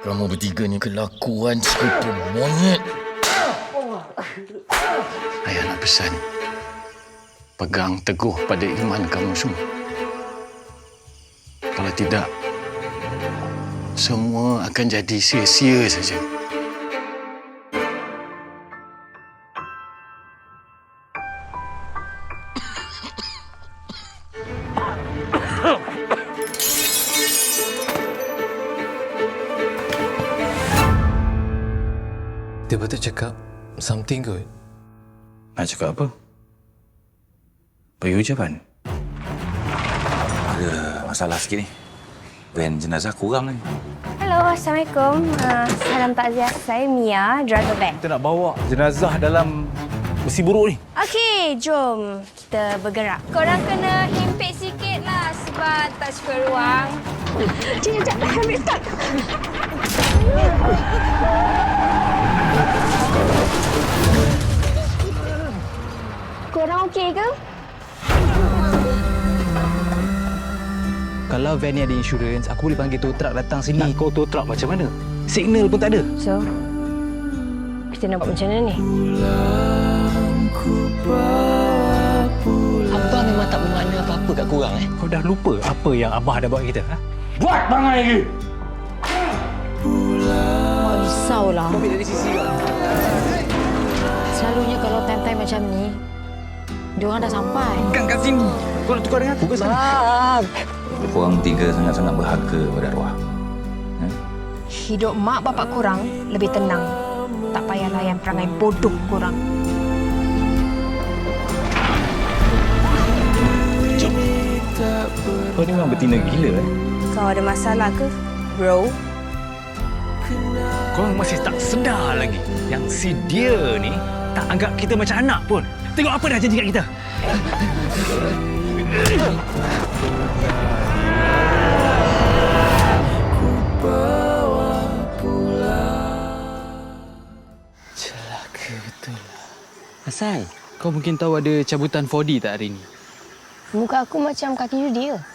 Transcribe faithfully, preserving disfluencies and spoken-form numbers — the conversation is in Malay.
Kamu bertiga ni kelakuan sekutu monyet. Ayah nak pesan, pegang teguh pada iman kamu semua. Kalau tidak, semua akan jadi sia-sia saja. Dia betul cakap something good. Nak cakap apa? Bagi ucapan. Ada masalah sikit ni. Van jenazah kurang ni. Hello, Assalamualaikum. Uh, salam takziah. Saya Mia, driver van. Kita nak bawa jenazah dalam besi buruk ni. Okey, jom kita bergerak. Korang kena himpit sikit lah sebab tak cukup ruang. Cik, sekejap. Ambil start. Korang okey ke? Kalau van ni ada insurans, aku boleh panggil tow truck datang sini. Kau tow truck macam mana? Signal pun tak ada. So, kita nak buat macam mana ni? Abah memang tak bermakna apa-apa kat korang eh. Kau dah lupa apa yang Abah dah buat kita? Ha? Buat bangai lagi! Mak risaulah. Kau ambil dari sisi kau. Selalunya kalau time-time macam ni, diorang dah sampai. Bukan kat sini. Kau nak tukar dengan aku ke sana? Korang tiga sangat-sangat berharga pada arwah. Ha? Hidup mak bapak korang lebih tenang. Tak payah layan perangai bodoh korang. Kau ni memang betina gila eh. Kau ada masalah ke, bro? Kau masih tak sedar lagi yang si dia ni tak anggap kita macam anak pun. Tengok apa dah janji kat kita. Celaka betul lah. Asal? Kau mungkin tahu ada cabutan four D tak hari ni? Muka aku macam kaki judi ke?